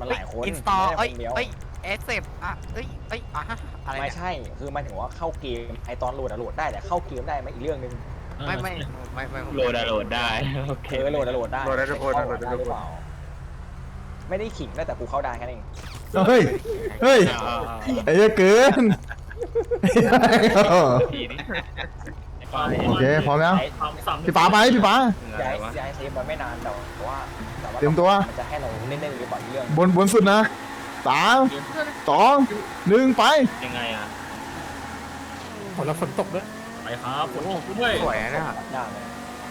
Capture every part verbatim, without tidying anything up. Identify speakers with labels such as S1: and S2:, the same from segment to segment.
S1: มันหลายคน
S2: อินสตอล
S1: ไม่
S2: เอ้ย
S1: ใช่คนเดียว
S2: เอ้ยเอสเซฟอ่ะเอ้ยเอ้ยอ่ะอะไร
S1: ไม่
S2: เนี่ย
S1: ใช่คือหมันถึงว่าเข้าเกมไอตอนโหลดอะโหลดได้แต่เข้าเกมได้ไหมอีกเรื่องนึง
S2: ไม่ไม่ไม่ไม่
S3: โหลดอะโหลดได้โอเค
S1: เออโหลดอะโหลดได้
S4: โหลดได้ทุกคน
S1: เข้า
S4: โหลดได้
S1: ได้
S4: ทุก
S1: หรือ
S4: คน
S1: เปล่าไม่ได้ขิงนะแต่กูเข้าได้แค่นั้นเอง
S5: เฮ้ยเฮ้ย
S3: เอาเอาเอา
S5: ไอ้เหี้ยเกิน
S3: ทีนี้
S5: โอเคพร้อมแล้ว
S1: ไอ้
S5: พี่ป๋าไปพี่ป๋า
S1: ย้ายย้ายเซฟมันไม่นานแต่ว่าแต่ว่า
S5: เตรียมตัว
S1: มันจะให้เราเล่นๆหรือเปล่าอีกเรื่อง
S5: บนบนสุดนะสามสองหนึ่งไป
S3: ยังไงอ่ะ
S4: ฝนแล้วฝนตกด้วย
S3: ไปครับฝนตกด้วย
S2: สวยนะเนี่ย
S1: ได้เลย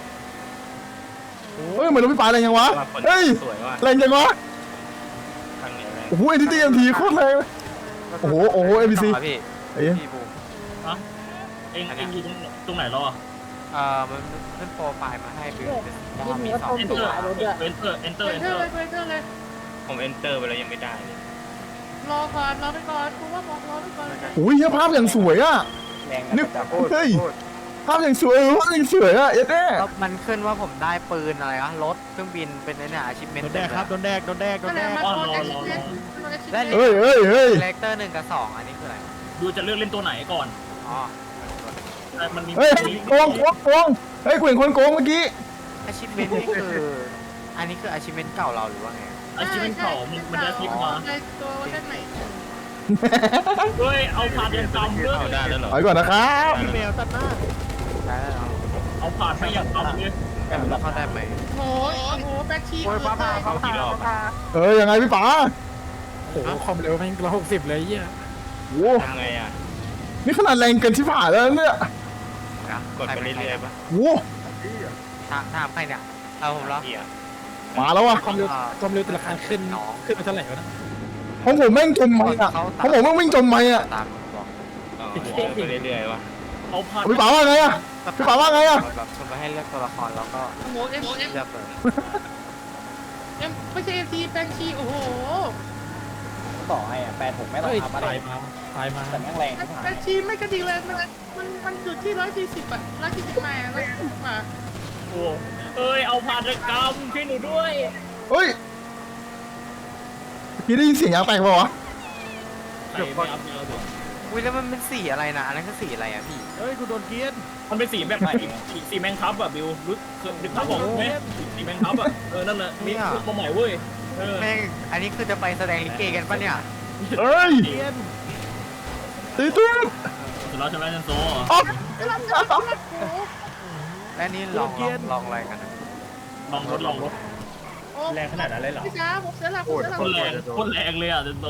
S5: เฮ้ยเหมือนรถพี่ป๋าแรงยังวะ
S3: ว่าฝน
S5: เฮ้ย
S3: สวยว่ะ
S5: แรงยังวะ
S3: ทางเหนือแรง
S5: โอ้โหเอ็นทีเอ็มทีโคตรแรงโอ้โหโอ้โหเอ็มบีซี
S2: ต่พี่
S5: ไอ้เหี้ย
S2: พี่บูม
S3: เอ็งเอ็งอยู่ตรงตรงไหนรอ
S2: เอ่อมันขึ้นโปรไฟล์มาให้บิวว่ามีสอง
S3: เอนเต
S2: ตั
S3: อ
S2: ว
S3: ร์เอนเตอร์เอนเตอร์เอนเตอร์
S6: ไปเจอเลย
S3: ผมเอนเตอร์ไปแล้วยังไม่ได้เลย
S6: รอก่อนรอไปก่อนกูว่าบอกรอไปก่อน
S5: โอ้ยเหี้ยภาพอย่างสวยอ่ะ
S1: แรง
S5: นึ
S1: นะ
S5: ก
S1: จับ
S5: เฮ้ยภาพอย่างสวยเออภาพอย่างสวยอ่ะเอ็ดแน่
S2: แล้วมันขึ้นว่าผมได้ปืนอะไรนะรถเครื่องบินเป็นในเนี่ยอาชีพเมน
S7: โดนแดกครับโดนแดกโดนแดกโด
S6: ก็
S7: น
S6: เล
S7: แด
S6: ย
S7: ก
S6: มาโค้ดเอ็กซ์เพรสเอ็กซ์เพรส
S5: เฮ้ยเฮ้ยเฮ้ย
S2: เลกเตอร์หนึ่งกับสองอันนี้คืออะไร
S3: ดูจะเลือกเล่นตัวไหนก่อน
S2: อ๋อ
S3: มันมี
S5: เฮ้ยโกงโกงโกงเฮ้ยกูเห็นคนโกงเมื่อกี้
S2: อาชีพเมนนี่คืออันนี้คืออาชีพเมนเก่าเราหรือว่าไง
S3: อาชีพเป็นเก่ามันมันจะคลิปมา
S6: ในตัวเวอร์ชันใหม่
S3: เฮ้ยเอาผ่านยังจำด้วยเอาได้แล้วเหรอ
S5: ไปก่อนนะครับ
S7: พี่แมวตัดหน้า
S2: ได้แล้ว
S3: เอาผ่านไปยังจำเลย
S2: แต่เราเข้าได้ไหม
S6: โอ้โหโอ้โหแบ็คชี
S2: โอ้ยป้าป้าป้าป้าป้า
S5: เอ้ยยังไงพี่ป๋า
S4: โอ้โหความเร็วแม่งร้อยหกสิบเลยเหี้ย
S5: โอ้
S3: ยังไงอ่ะ
S5: นี่ขนาดแรงเกินที่ผ่านแล้วเนี่ย
S3: กดไปเรื่อยๆปะ
S5: โอ้
S2: ถามถามใครเนี่ยเอาผมแล้ว
S3: เหี้ย
S5: มาแล้วอ่ะ
S4: ความเร็วความเร็วแต่ละคันขึ้นขึ้นมาเท่าไหร่วะนะ
S5: ของผมแม่งจมไหมอ่ะของผมแม่งวิ่งจมไหมอ่ะ
S2: ตามบอก
S3: อ๋อไปเรื่อยๆวะเอาผ่าน
S5: พี่ป๋าว่าไงอ่ะพี่ป๋าว่าไงอ่ะ
S2: แบบชวนไปให้เลือกตัวละครแล้วก็
S6: โอ้โหเอ็มเอ็ม
S2: เลือกเลย
S6: เอ็มไม่ใช่เอ็มทีแบ็คชีโอ้โห
S1: ต่อให้อะแปดหกไม่ต้อง
S4: เฮ้ย
S1: ทำอะไร
S4: ตายมาตายมา
S1: แต่แม่งแรงที่ผ่าน
S6: แบ็คชีไม่กระดิกเลยมันมันมันจุดที่ร้อยสี่สิบอ่ะร้อยสี่สิบมาร้อยสี่สิบมา
S3: โอ้เอ้ยเอาผ่านกรรมช่วยหนูด้วย
S5: เฮ้ยพี่ได้ยินเสียงยางแตกเปล่าวะ
S3: เดี๋ยวก่อนเอาเดี๋ยว
S2: อุ้ยแล้วมันเป็นสีอะไรนะอันนั้นคือสีอะไรอ่ะพี่
S7: เฮ้ยกูโดนเกียน
S3: มันเป็นสีแบบไหนสีสีแมงคับอะบิวรู้นึกภาพออกไหมสีแมงคับอะเออนั่นแหละมีชุดมาใหม่เว้ยเออ
S2: แม่งอันนี้คือจะไปแสดงลิเกกันปะเนี่ย
S5: เฮ้ย
S7: เกียน
S5: ตื่นตื่น
S3: สุดแล้วใช่ไหมนันโซ
S5: อ๋อ
S2: และนี่ลองลองลองอะไรกันนะ
S3: ลองรถลองรถ
S6: โอ้
S3: แรงขนาดนั้นเลยเหรอ
S6: พี่จ้าผมเสียหลักผมเสียหลัก
S3: คนแรงคนแรงเลยอ่ะนันโซ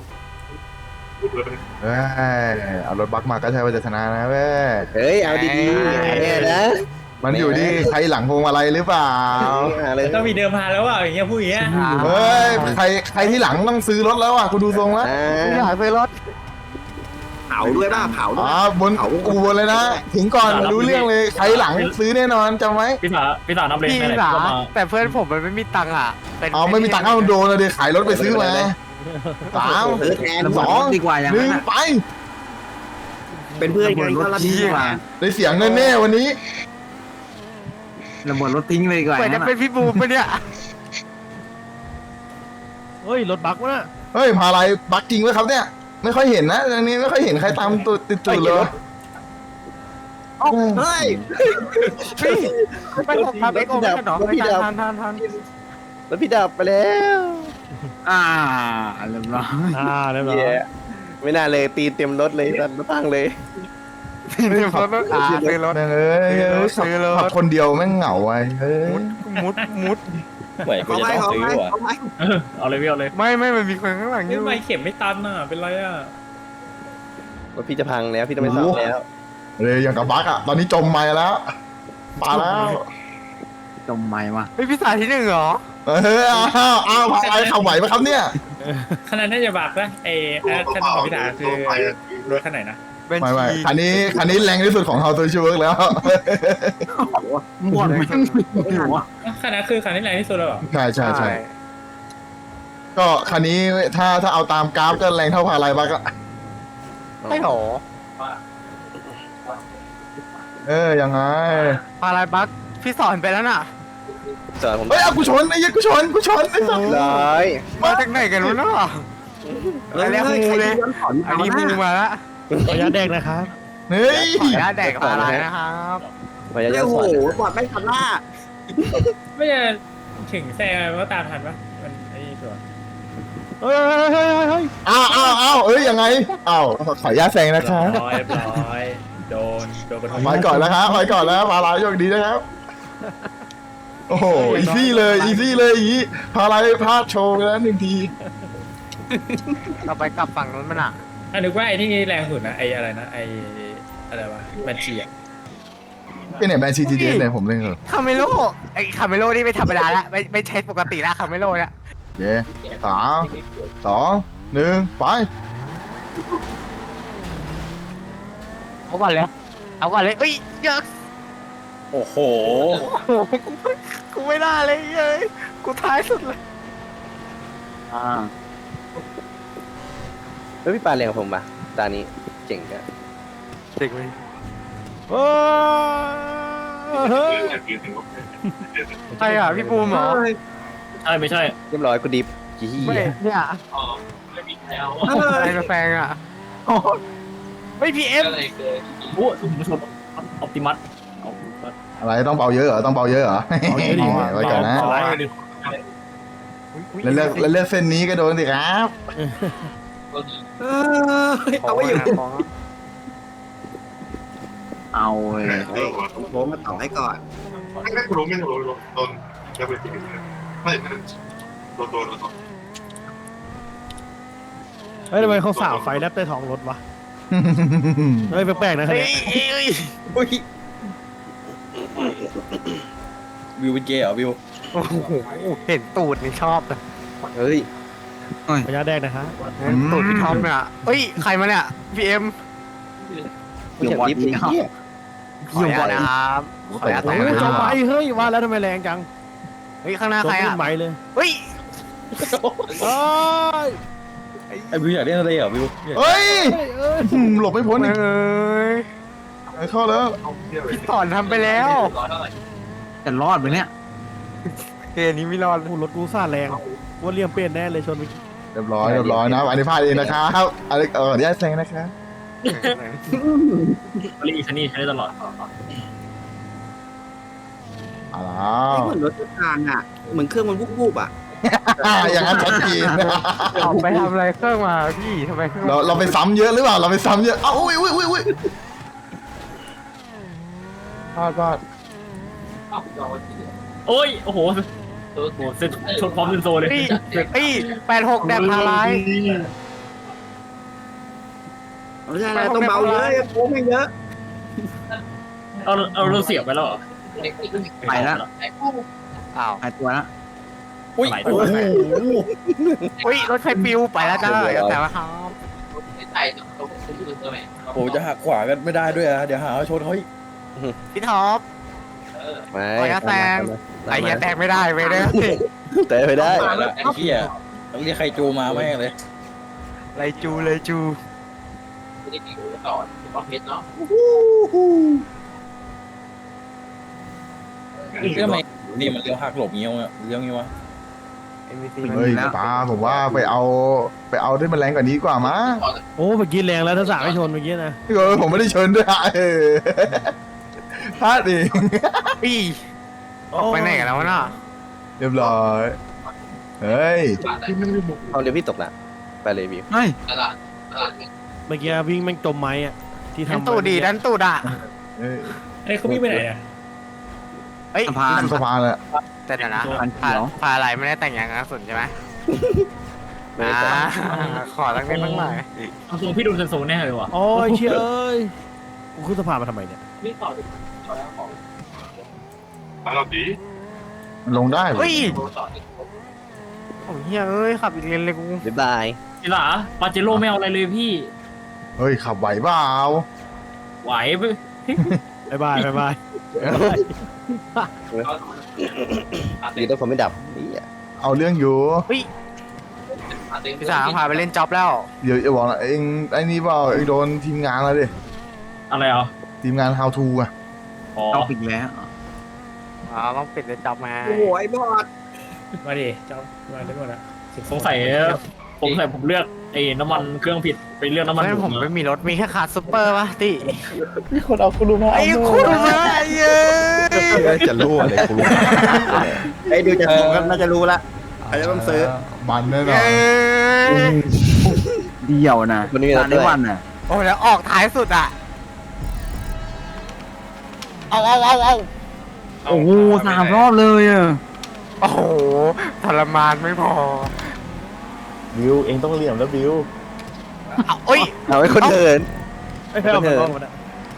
S5: เฮ้ยเอารถบักมาก็ใช่ว่าจะชนะนะเว้ย
S8: เฮ้ย เอาดีๆเนี่ยนะ
S5: มันอยู่ที่ใครหลังพวงมาลัยหรือเปล่า
S8: เอาเลย
S3: ต้องมีเดิมพันแล้วอ่ะอย่างเงี้ยพูดอย่างเงี้ย
S5: เฮ้ยใครใครที่หลังต้องซื้อรถแล้วอ่ะกูดูทรงแล้ว
S8: อ่า
S2: อยากซื้อรถ
S8: เผาด้วยป่ะเผาด้วย
S5: อ๋อบนอูบนเลยนะถึงก่อนรู้เรื่องเลยใครหลังซื้อแน่นอนจำไว้
S3: พี่สาพี่สานับเลน
S2: พี่
S3: ไหน
S2: หลา
S3: ก็มา
S2: แต่เพื่อนผมมันไม่มีตังค์อ่ะป็น
S5: เอาไม่มีตังค์เอาโดนเลยดิขายรถไปซื้อมาสาม
S8: ซื้อแทน
S5: สอง
S8: ดีกว่าอย่าง
S5: หนึ่
S8: นั้
S5: ง
S8: นอะ
S5: ไป
S8: เป็นเพื่อนกันก็รับดีกว่า
S5: ได้เสียงแน่ๆวันนี้
S8: ระเบิดรถทิ้งเลยดีกว่า
S2: เหมือนจะเป็นพี่บูมปะเนี่ย
S7: เฮ้ยรถบักวะน่ะ
S5: เฮ้ยพาอะไรบักจริงไหมครับเนี่ยไม่ค่อยเห็นนะอันนี้ไม่ค่อยเห็นใครตามตัวติดตัวเลย
S8: เฮ้ย
S2: พี่ไปผมทำเอ็กโอไม่ใช่เหรอไม่ทันทันทันทัน
S8: แล้วพี่ดับไปแล้ว อ่าเรียบร้อย
S7: อ่าเรียบร้อย
S8: เย้ไม่น่าเลยตีเต็มรถเลยตันรถตั้งเลย
S2: ซื้อรถอ่าซื้อรถ
S5: แม่งเอ้ย
S2: ซื้อรถ
S5: ขับ
S2: ซื้อรถ
S5: ขับคนเดียวแม่งเหงาไว้เฮ้ย
S2: มุดมุด
S3: เหมือนกู
S8: เขา
S3: จะ
S8: ไม่
S3: ต้อง
S8: เขา
S3: ซื้อ
S8: ไม่
S3: ว่ะ
S8: เขาไม่
S3: เอาเลยพี่เอาเลย
S2: ไม่ไม่มันมีคนข้างหลังอยู่
S3: ไม่เข็มไม่ตันอ่ะเป็นไรอ่ะ
S8: รถพี่จะพังแล้วพี่ต้องไปซ่อมแล้ว
S5: เลยอย่างกับบักอ่ะตอนนี้จมมาแล้วมาแล้ว
S8: จมไม่วะ
S2: เฮ้ยพี่สายที่หนึ่งเหรอ
S5: เอออ้าวอ้าวพาอะไรขับไหวไหมครับเนี่ย
S3: ขนาดน่าจะบักนะเออขนาดของพี่สาคือรถขนาดไหนนะ
S2: เป็น
S5: ไม่ไม่
S2: ชี
S5: คันนี้คันนี้แรงที่สุดของเฮาตัวชูเวิร์กแล้ว
S8: หมดไม่หัว
S3: ขนาดคือคันที่แรงที่สุดแล้วเหรอ
S5: ใช่ใช่ใช่ก็คันนี้ถ้าถ้าเอาตามกราฟก็แรงเท่าพาอะไรบักอะ
S2: ไม่หรอ
S5: เออยังไง
S2: พาราบักพี่สอนไปแล้วน่ะ
S9: สอนผม
S5: เฮ้ยเอากูชนไอ้เหี้ยกูชนกูชนไอ้สัส
S9: ร้อย
S2: มาจากไหนกันวะเนาะอันนี้มูเลยอันนี้มูมาละ
S7: ขออนุญาตแดกนะครับ
S5: เฮ้ย
S2: ขออนุญาตแดกปลาไหลนะครับ
S9: พยายาม
S8: โอ้
S9: ส
S8: โห
S9: อน
S8: บอดไม่ทันหน้า
S4: ไม่จะถึงแซงว่าตามทันปะมันไอ้ตัว
S7: เฮ้ยเฮ้ยเฮ้ยเฮ้ยเฮ้ย
S5: อ้าวอ้าวอ้าวเอ้ยยังไงอ้าวขออนุญาตแซงนะครับ
S4: ร้อยร้อยโดนโดนกระทบ
S5: ไปก่อนแล้วครับไปก่อนแล้วพาราโชคดีนะครับ โอ้โหอีซี่เลยอีซี่เลยอย่างนี้พาราพลาดโชว์ไปแล้วหนึ่งที
S2: เราไปกลับฝั่งนู้นมันอ่ะ
S4: อันนึกว่าไอ้ที่แรงสุดนะไอ้อะไรนะไอ้อะไรวะแบนชีอะ
S5: เป็นไหนแบรนด์ซีจีดีเนี่ยผมเล่นเหรอ
S2: คาเมโลไอ้คาเมโลนี่ไม่ธรรมดาละไม่ไม่ใช่ปกติละคาเมโลเนี่ย
S5: เย้สามสองหนึ่งไป
S2: เอาก่อนเลยเอาก่อนเลยเอ้ยเยอะ
S3: โอ้โห
S2: โอ้โหกูไม่ได้เลยเย้ยกูท้ายสุดเลย
S8: อ่า
S9: แล้วพี่ปาเรียงผมปะตานี้เจ๋งอะ
S2: เด็กเลย
S7: เฮ้ยเฮ้ย
S2: ใช่อ่ะพี่ปูมเหรอ
S3: ใช่ไม่ใช่
S9: เรียบร้อยกูดิฟยี่
S2: ไม่เนี่ยอะไรมาแฟงอ่ะไม่พีเอฟ
S3: โอ้คุณผู้ชมออปติมัสออปติมัส
S5: อะไรต้องเบาเยอะเหรอต้องเบาเยอะเหรอ
S7: เอาเยอะดิ
S5: ไว้ก่อนนะแล้วเลือกแล้วเลือกเส้นนี้ก็โดนสิครับ
S8: เออเอาไว้อยู่เอาเลยผมมาต่อให้ก่อน
S7: เฮ้ยทำไมเขาสาวไฟแลบใต้ท้องรถวะเฮ้ยแปลกๆนะคัน
S2: เฮ้ย
S7: นี้
S2: เฮ้ย
S3: วิวเป็นเกย์เหรอวิว
S2: โอ้โหเห็นตูดนี่ชอบเลย
S9: เฮ้ย
S7: ขออนุญาตแดกนะครับ
S2: เห็นตูดพี่ท็อปเนี่ยเฮ้ยใครมาเนี่ยพีเอ็ม
S9: กูอยากดิฟเลยเหี้ย
S2: ขออนุญาตนะครับขออนุญาต
S7: เฮ้
S2: แต่ง
S7: ย
S2: นะค
S7: จ
S2: รั
S7: อบ ไปเฮ้ยว่าแล้วทำไมแรงจัง
S2: เฮ้ยข้างหน้า
S7: จบ
S2: ใคร
S7: ขึ้
S2: อ่ะ
S7: นไหมเลย
S2: เฮ้ย
S7: เฮ้ย
S3: ไอวิวอยากเล่นอะไรเหรอวิว
S5: เฮ้ย
S7: เฮ้ยเอ้ย
S5: อืมหลบไม่พ้นอีก
S2: เอ้ย
S5: เข้าแล้ว
S2: พี่สอนทำไปแล้ว
S8: จะรอดไหมเนี่ย
S2: เกมนี้ไม่รอด
S7: โอ้โหรถกูซ่าแรงว่าเลี่ยมเปลี่ยนแน่เลยชนไป
S5: เรียบร้อยเรียบร้อยนะอันนี้พลาดเองนะครับอะไรเออขออนุญาตแซงนะครับ
S3: รีคันนี้ใช้ได้ตลอด
S5: เอาแล้ว
S8: เหมือนรถทุกทางอ่ะ เหมือนเครื่องมันวุบๆอ่ะ
S5: อย่างนั้นชัดเจน
S2: ออกไปทำอะไรเครื่องมาพี่ทำไมเครื่อง
S5: เราเราไปซ้ำเยอะหรือเปล่าเราไปซ้ำเยอะเอ้าอุ้ยอุ้ยอุ้ยอุ้ยพลาดพลาด
S3: โอ้ยโอ้โหโอ้โหเซ็ตชนพร้อมเซนโซเลย
S2: พี่พี่แปดหกแดบพาไลาย
S8: ไม่ใช่แล้วต้องเบาเยอะโค้งให้เยอะ
S3: เอาเอาเราเสียบไปแล้วเหรอ
S8: ไปแล้ว
S2: อ้าว
S8: หายตัวแล้ว
S3: อุ้ยโอ้โห
S2: อุ้ยรถไฟปิวไปแล้วจ้าอย่าแต่ว่าครับ
S3: โอ้จะหักขวากันไม่ได้ด้วยอะเดี๋ยวหาว่าชนเขาอีก
S2: พี่ท็อป
S9: ไม่
S2: ขออนุญาตแซง ไอ้เหี้ยแตกไม่ได้เว้ยเนี่ย
S9: แต่ไปได้
S3: ไอ้เหี้ยต้องเรียกใครจูมาแม่งเลย
S2: ไรจูเลยจู
S3: ทำไมนี่มันเลี้ยวหักหลบเงี้ยวอะเลี้ยวงี้วะ
S2: เอ็มวีซี
S5: เฮ้ยป้าผมว่าไปเอาไปเอาที่มันแรงกว่านี้ดีกว่ามั้ง
S7: โอ้เมื่อกี้แรงแล้วถ้าสาวไม่ชนเมื่อกี้นะ
S5: เออผมไม่ได้เชิญด้วยอะเออพลาดเอง
S2: พี่ออกไปไหนกันแล้ววะน่ะ
S5: เรียบร้อยเฮ้ย
S9: เอาเดี๋ยวพี่ตกละไปเลยวิว
S8: เฮ้ย
S7: เมื่อกี้วิ่งแม่งจมไม้อะที่
S2: ดัน
S7: ทำ
S2: ตูดดีดันตูดอ่ะ
S5: เฮ้ย
S4: ไอ้เขาวิ่งไปไหนอะ
S2: เฮ้ย
S8: สะพาน
S5: สะพานเลย
S2: แต่เดี๋ยวนะ
S8: สะพาน
S2: พา
S8: เขียว
S2: พาอะไรไม่ได้แต่งอย่างนั้นสุดใช่ไหม
S9: ไม่ได้
S2: อ่า
S9: แต่
S2: ขอตั้งนิดตั้งหน่อย
S3: เอาทรงพี่ดูเซนโซแน่เลยว่ะ
S7: โอ้ยเชี่ยเอ้ยกูขึ้นสะพานมาทำไมเนี่ย
S5: มันลงได้เหรอ
S2: เฮ้ยโอ้ยเฮียเอ้ยขับอีกเลนเลยกู
S9: บ๊ายบาย
S3: จีหล่าปาเจโร่ไม่เอาอะไรเลยพี่
S5: เฮ้ยขับไหวเปล่า
S3: ไหวไป
S7: บายบายบายบาย
S9: ดีต้องผมไม่ดับนี่อ่ะ
S5: เอาเรื่องอยู่
S2: พี่สาวพาไปเล่นจ็อบแล้ว
S5: เดี๋ยวจะบอกนะเองไอ้นี่เปล่าเองโดนทีมงานแล้วดิ
S3: อะไรอ่ะ
S5: ทีมงาน how to อ่ะ
S3: อ๋อ
S8: เอาอีกแล้ว
S5: เ
S2: อ๋อต้องปิดเลยจับมา
S8: โอ้โหไอ้บอด
S4: มาดิเจ้ามาได้หมดอะ
S3: สงสัยผมใส่ผมเลือกไอ้น้ำมันเครื่องผิดไปเลือกน้ำมัน
S2: ไม่ผมไม่มีรถมีแค่คาร์ซูเปอร์ป่ะติ
S9: มีคนเอาคุณลุมา
S2: ไอ้คุณมาเย้ย
S9: จะรู้อะไรคุณลุ
S8: ไอ้ดูจะถูกกันน่าจะรู้ละอาจจะต้องซื้อ
S5: มันแน่นอน
S8: เดี่ยวนะตอนนี้วันน่ะ
S2: โอ้แล้วออกท้ายสุดอ่ะเอาเอาเอาเอา
S8: โอ้โหสามรอบเลยอ่ะ
S2: โอ้โหทรมานไม่พอ
S1: บิวเองต้องเหลี่ยมแล้วบิว
S2: เอาเอ้ย
S9: เอาไว้คนเดิน
S7: ไอ้แพ้เอาไปกล้องมันอะ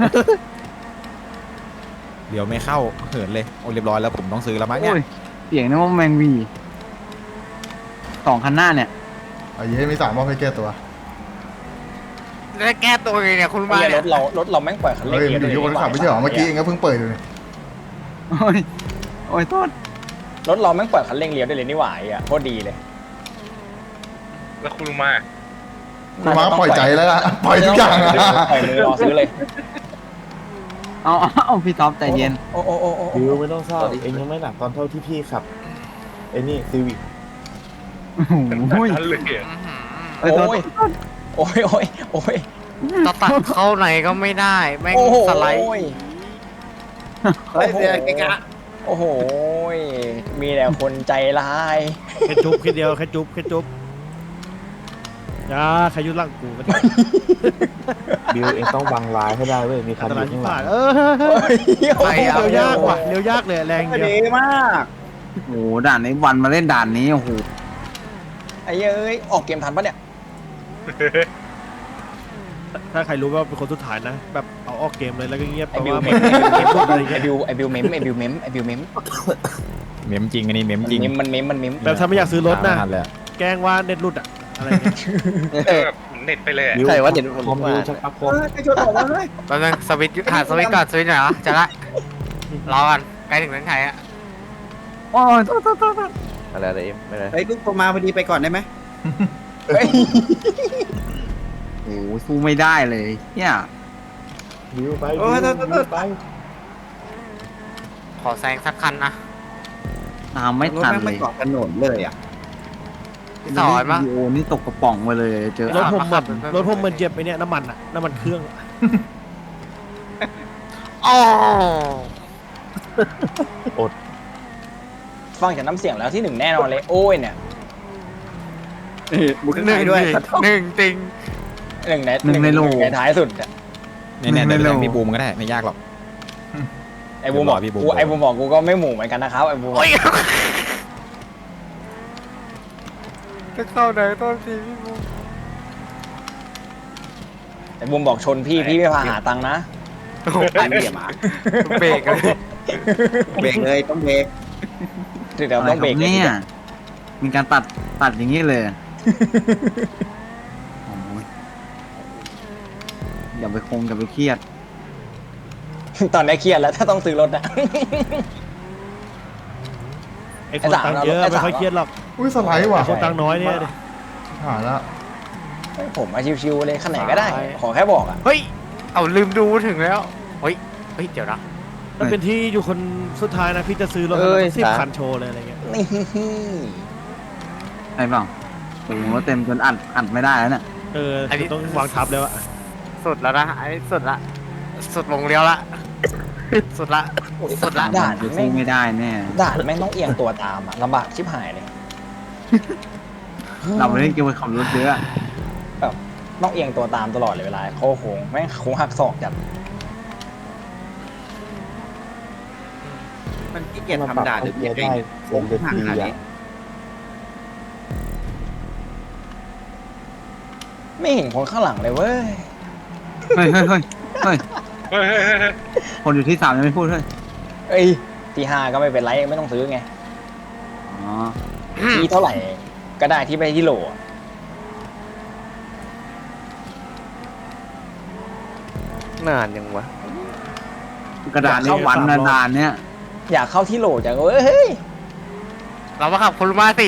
S10: เดี๋ยวไม่เข้าเหินเลยโอ้เรียบร้อยแล้วผมต้องซื้อแล้วมั้งเนี่ย
S8: โอ้ยเสียงนึกว่าแมงวีสองคันหน้าเนี่ย
S5: ไอ้เย้มีสามรอบให้แก้ตัว
S2: แล้วแก้ตัวไงเนี่ยคุณมา
S1: เนี่ยร
S2: เนี่ย
S1: ถเรารถเราแม่งปล่อยคันเร่ง
S5: เฮ้ย
S1: เกีย
S5: มัน
S1: ร์
S5: อยู่ที่คนขับไม่ใช่เหรอเมื่อกี้เองก็เพิ่งเปิดอยู่นี่
S8: โอ้ยโอ้ยโทษ
S1: รถเราแม่งปล่อยคันเร่งเลี้ยวได้เลยนี่หว่าไอ่ะโคตรดีเลย
S3: แล้วคุณลุงมา
S5: คุณมาปล่อยใจแล้วล่ะปล่อยทุกอย่างอะ
S1: ปล่อยมือรอซื้อเลย
S8: เอาเอาเอาพี่ท็อปใจเย็น
S1: โอ้โอ้โอ้โอ้
S11: บิวไม่ต้องเศร้าเองยังไม่หนักตอนเท่าที่พี่ขับไอ้นี่ซีวิก
S8: โอ้โห
S3: นั่นเลย
S8: เอ้ยโทษ
S1: โอ้ยโอ้ยโอ้ย
S2: ตะตัดเข้าไหนก็ไม่ได้แม่ง
S1: โอ้โห
S2: สไลด์
S1: เฮ้ยเดี๋ยวเกะกะโอ้โหมีแต่คนใจร้าย
S7: แค่จุ๊บแค่เดียวแค่จุ๊บแค่จุ๊บอย่าใครยุ่งร่างกูกัน
S11: บิวเองต้องวางลายให้ได้เว้ยมีคั
S7: อั
S11: น
S7: นต
S11: อ
S7: ราย
S11: ยู่
S7: ที่
S11: ข้างหลั
S7: ผ่าน
S11: ง
S7: เออ
S1: โอ้ย
S7: เร็วยากว่ะเร็วยากเลยแรงเดียว
S8: ดีมากโอ้โหด่านนี้วันมาเล่นด่านนี้โอ้โห
S1: ไอ้เอ้ยออกเกมทันปะเนี่ย
S7: ถ้าใครรู้ว่าเป็นคนสุดท้ายนะ แบบเอาออกเกมเลยแล้วก็เงียบ
S1: ไอ้
S7: แต่
S1: บิว
S7: ว่า
S1: เม
S7: มัน
S1: ม
S7: เกมรูปอะไร
S1: ไอ้
S7: เงี้ย
S1: บิวไอ้บิวเมมไอ้บิวเมมไอ้บิวเมม
S10: เมมจริงอันนี้เมมจริง
S1: เมมมันเมมมันเมม
S7: แบบถ้าไม่อยากซื้อรถนะ
S10: ตามไม่ทัเลย
S7: แกล้งว่าเน็ตรุดอะอะไรเงี้ย
S3: เน็ตไปเลย
S9: ใช่ว่าเด็ด
S11: คอมบิวชักอัพคอม
S2: แป๊บนึงสวิตช์หาสวิตช์ก่อนสวิตช์หน่อยเหรอจะละรอกันใกล้ถึงเส้นชัยอะ
S8: โอ้ยโทษโทษโทษ
S9: อะไรอะไรเอ็มไม่ได้
S8: เฮ้ยลูกโทรมาพอดีไปก่อนได้ไหม
S1: เฮ้ย
S8: โอ้โหสู้ไม่ได้เลยเนี่ย
S11: บิวไป
S8: โอ้
S11: บิ
S8: ยว โทษโทษโทษ
S11: ไป
S2: ขอแซงสักคันนะ
S8: ตามไม่ทันเลยเกาะถนนเลยอ่ะ
S2: สอนปะ
S8: โอ้นี่ตกกระป๋องไปเลยเจอ
S7: รถผม
S2: มา
S7: เห
S2: ขั
S7: มือบ น
S2: ไป
S7: รถผมเหมือนเจ็บไปเนี่ยน้ำมันอะน้ำมันเครื่อง
S2: อ๋อ
S1: ฟังจากน้ำเสียงแล้วที่หนึ่งแน่นอนเลยโอ้ยเนี่ย
S8: บุก
S2: หนึ่ง
S8: ด้วย
S2: หนึ่งจริง
S1: หนึ่งใน
S8: หนึ่งในโล
S1: ในท้ายสุดอะ
S10: เนี่ยเนี่ย
S8: ไม่
S10: เดี๋ยว
S8: เร็ว
S10: เดี๋ยวพี่บูมก็ได้ไม่ยากหรอก
S1: ไอ้บูมบอก
S10: เดี๋ยวรอพี่บูม
S1: กูไอ้บูมบอกกูก็ไม่หมู่เหมือนกันนะครับไอ้บูมบอก
S2: โอ้ยจะเข้าไหนต้นทีพี่บู
S1: ไอ้บูมบอกชนพี่พี่ไม่พาหาตังค์นะ
S2: โอ้โห
S8: อันเดียมา
S2: เบรกเลย
S8: เบรกเลยต้องเบรก
S1: เดี๋ยวต้องเบรก
S8: อะไรคเนี่ยมีการตัดตัดอย่างนี้เลยโอ้ยอย่าไปคงอย่าไปเครียด
S1: ตอนนี้เครียดแล้วถ้าต้องซื้อรถอะ
S7: ไอ้คนตังค์เยอะ
S1: ไอ้
S7: ไม่
S1: สาม
S7: ค่อยเครียดหรอก
S5: อุ้ยสไลด์ว่ะ
S7: ไอ้คนตังค์น้อยเนี่ยดิ
S5: หายแล้ว
S1: ผมมาชิวๆเลยขนาดไหนก็ได้ ขอแค่บอกอะ
S2: เฮ้ยเอาลืมดูถึงแล้วเฮ้ยเฮ้ยเดี๋ยวนะ
S7: มันเป็นที่อยู่คนสุดท้ายนะพี่จะซื้อรถ
S9: เอ้ย
S7: สิบ
S9: สาม
S7: คันโชว์เลยอะไรเงี้ย
S1: นี่
S8: ไอ้เปล่าโอ้โหเต็มจนอัดอัดไม่ได้แล้วเนี่ย
S7: เออต้องวางทับแล้วอะ
S2: สุดแล้วนะไอ้สุดละสุดลงเลี้ยวละสุดละสุดละ
S1: ด่าน
S8: จะ
S1: แม่
S8: สู้
S1: ง
S8: ไม่ได้แน่
S1: ด่านแม่งต้องเอียงตัวตามอะลำบากชิบหายเลย
S8: เราไม่ได้เกี่ยวกับขับรถเยอะ
S1: ต้องเอียงตัวตามตลอดเลยเวลาโค้งโค้งแม่งโค้งหักศอกจัด
S8: มันขี้เกียจทำด่าหรือ
S11: เกี
S8: เกี
S11: ย
S8: ย
S11: ร์
S8: จ
S11: ได้
S8: เอง
S11: เซ็นเดอร์ทีอ่ะ
S1: ไม่เห็นคนข้างหลังเลยเว้ย
S8: เฮ้ยเฮ้ยเฮ้ยเฮ้ยคนอยู่ที่สามยังไม่พูดเฮ้ย
S1: เอ้ยที่ห้าก็ไม่เป็นไรไม่ต้องซื้อไง
S8: อ๋อ
S1: ที่เท่าไหร่ก็ได้ที่ไม่ที่โหลอะ
S9: นานยังวะ
S8: กระดาษนี้วันนานๆเนี่ย
S1: อยากเข้าที่โหลจังเว้ยเฮ้ย
S2: เรามาขับคุณมาสิ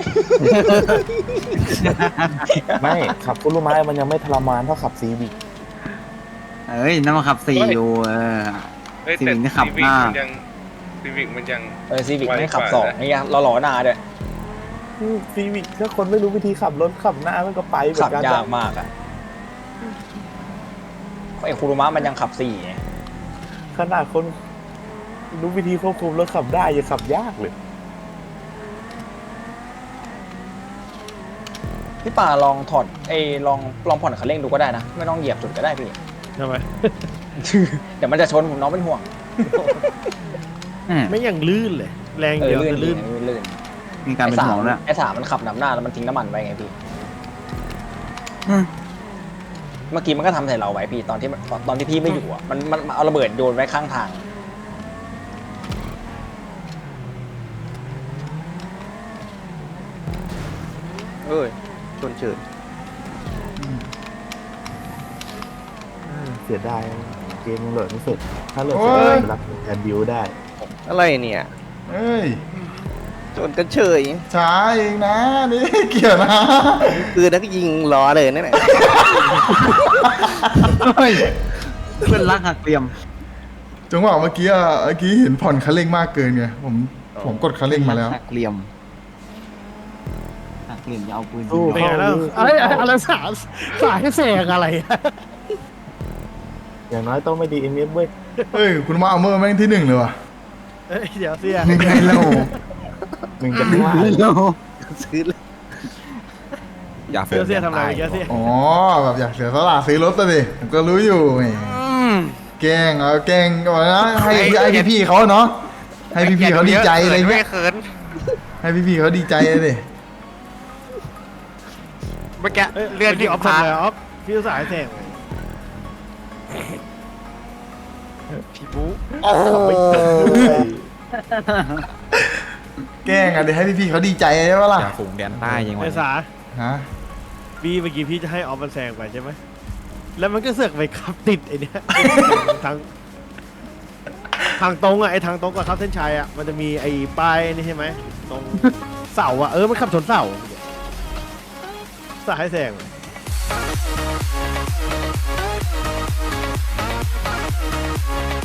S11: ไม่ขับคุรุมะมันยังไม่ทรมานเท่าขับซีวิก
S8: เอ้ยนั่นมาขับสี่อยู่เออ ซีวิกนี่ขับห้า
S2: ซีวิกมันยัง
S1: เออซีวิก
S2: ไว
S1: ไม่ขับ
S2: กว่า
S1: สอง
S2: นะ
S1: นี่ไงเราหล่อหน้าด้วย
S11: ซีวิกถ้าคนไม่รู้วิธีขับรถขับหน้ามันก็ไปเหมือ
S1: ขับ
S11: นกัน
S1: ยากมากอ่ะไอ้คูรุมะมันยังขับสี่ไง
S11: ขนาดคนรู้วิธีควบคุมรถขับได้ยังขับยากเลย
S1: พี่ป่าลองถอดไอ้ลองลองผ่อนคันเร่งดูก็ได้นะไม่ต้องเหยียบจุดก็ได้พี่
S7: ทำไม
S1: เดี๋ยวมันจะชนผมน้องเป็นห่วง
S7: ไม่อย่างลื่นเลย แรง
S1: เอ
S7: เดี
S1: อ
S7: ยว
S1: ลื่น
S7: จะ
S1: ลื่
S7: ลื่
S1: น
S7: น
S1: ลื่น
S8: มีการเป็นห่วงนะ
S1: ไอ้สามมันขับนำหน้าแล้วมันทิ้งน้ำมันไว้ไงพี่เมื่อกี้มันก็ทำใส่เราไว้พี่ตอนที่ตอนตอนที่พี่ไม่อยู่อ่ะมันมันมันเอาระเบิดโยนไว้ข้างทาง
S9: เอ้ยชนเฉิด
S11: เสียดายเกมโหลดไม่เสร็จถ้าโหลด
S5: โอ้
S11: เสร็จ
S5: ย
S11: จะรับแอนบิวได้
S9: อะไรเนี่ย
S5: เอ้ย
S9: ชนกันเฉย
S5: ช้าเองนะนี่เกี่ยวนะ
S9: คือนักยิงล้อเลยนั่นแหละ
S8: เพื่อนรักหักเหลี่ยม
S5: จังหวะเมื่อกี้อะเมื่อกี้เห็นผ่อนคันเร่งมากเกินไงผมผมกดคันเร่งมาแล้ว
S8: หักเหลี่ยมหักเหลี่ยมจะเอาปืน
S11: สู้
S7: เป็นไง
S11: เข้า
S7: แล้ว
S11: ลูก
S7: อะไรอะไรสาสายให้แสงอะไรอะ
S11: อย่างน้อยต้องไม่ดีเอ็มเอฟเว้ย
S5: เฮ้ยคุณมาเอาเมอร์แม่งที่หนึ่งเลยว่ะ
S7: เอ้ยเดี๋ยวเสีย
S5: ยังไงเล่า
S11: มึงจะไม่ว่า
S9: ซื้อเลย
S10: อย่าเฟื
S7: เดี๋ยวเสียทำอะไรเดี๋ยวเสีย
S5: อ๋อแบบอยากเสียสละซื้อรถตัวดิผมก็รู้อยู่แหมแกล้งเอาแกล้งก่อนนะให้ให้พี่พี่ๆเขาเนาะให้พี่พี่ๆเขาดีใจอะไรเงี้ยให้พี่พี่ๆเขาดีใจเลยดิ
S8: เมื่อกี้
S7: เลื่อนที่ออฟทำอะไรออฟพี่สายแสง
S8: พี่บุ๊
S5: แกล้งอ่ะเดี๋ยวให้พี่พี่ๆเขาดีใจใช่ปะล่ะ
S10: อย่าฝูงแดนใต้ยังไง
S7: ไอ้สา
S5: ฮะ
S7: พี่เมื่อกี้พี่จะให้ออฟมันแซงไปใช่ไหมแล้วมันก็เสือกไปขับติดไอ้เนี้ยทางทางตรงอ่ะไอ้ทางตรงกับขับเส้นชัยอ่ะมันจะมีไอ้ป้ายนี่ใช่ไหมตรงเสาอ่ะเออมันขับชนเสาสายให้แซง
S6: เ